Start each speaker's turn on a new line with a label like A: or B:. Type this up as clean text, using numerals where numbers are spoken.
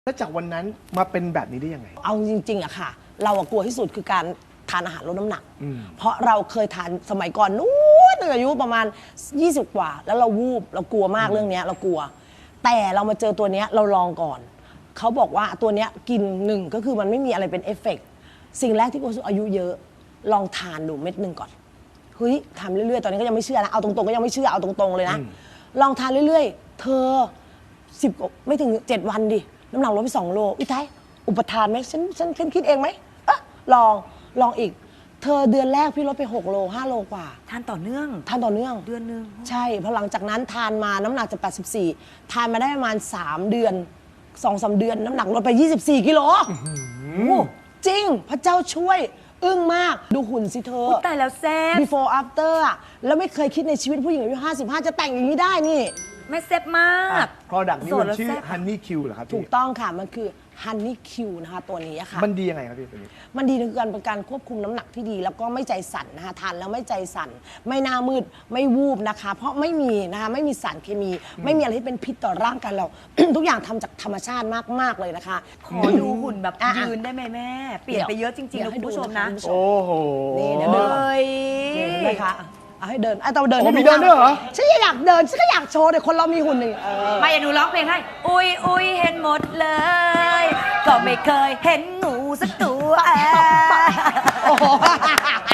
A: แล้วจากวันนั้นมาเป็นแบบนี้ได้ยังไง
B: เอาจริงๆอะค่ะ เรากลัวที่สุดคือการทานอาหารลดน้ำหนัก เพราะเราเคยทานสมัยก่อนนู้นอายุประมาณ20กว่าแล้วเราวูบเรากลัวมากเรื่องนี้เรากลัว แต่เรามาเจอตัวเนี้ยเราลองก่อนเขาบอกว่าตัวเนี้ยกินหนึ่งก็คือมันไม่มีอะไรเป็นเอฟเฟกต์สิ่งแรกที่คนอายุเยอะลองทานดูเม็ดหนึ่งก่อนเฮ้ยทำเรื่อยๆตอนนี้ก็ยังไม่เชื่อนะเอาตรงๆก็ยังไม่เชื่อเอาตรงๆเลยนะลองทานเรื่อยๆเธอ10ไม่ถึง7วันดิน้ำหนักลดไป2 โลอุ้ยท้ายอุปทานไหมฉันคิดเองไหมลองอีกเธอเดือนแรกพี่ลดไป6 โล 5 โลกว่า
C: ทานต่อเนื่องเดือนนึง
B: ใช่พอหลังจากนั้นทานมาน้ำหนักจาก84ทานมาได้ประมาณ3 เดือน 2-3 เดือนน้ำหนักลดไป24 กิโลจริงพระเจ้าช่วยอึ้งมากดูหุ่นสิเธอ
C: ตายแล้วแซ่บ
B: before after อะแล้วไม่เคยคิดในชีวิตผู้หญิงอายุ55จะแต่งอย่างนี้ได้นี่
C: ไม่แซ่บมาก
A: product นี้มันชื่อ Honey Q เหรอครับพี่
B: ถูกต้องค่ะมันคือ Honey Q นะคะตัวนี้ค่ะ
A: มันดียังไงครับพี่ตัวนี้
B: มันดีในการควบคุมน้ำหนักที่ดีแล้วก็ไม่ใจสั่นนะคะทานแล้วไม่ใจสั่นไม่หน้ามืดไม่วูบนะคะเพราะไม่มีนะคะไม่มีสารเคมีไม่มีอะไรที่เป็นพิษต่อร่างกายเรา ทุกอย่างทำจากธรรมชาติมากๆเลยนะคะ
C: ขอดูหุ่นแบบยืนได้ไหมแม่เปลี่ยนไปเยอะจริงๆนะคุณผู้ชมนะ
A: โอ้โห
B: นี่เดี๋ยวเดินเลยค่ะเอาให้เดินไอ้ตัวเดิน
A: มีเดินด้วยเหรอ
B: ฉันอยากเดินฉันก็อยากโชว์เดี๋ยวคนเรามีหุ่นหนึ่ง
C: ไม่หนูร้องเพลงให้อุ้ยเห็นหมดเลยก็ไม่เคยเห็นงูสักตัว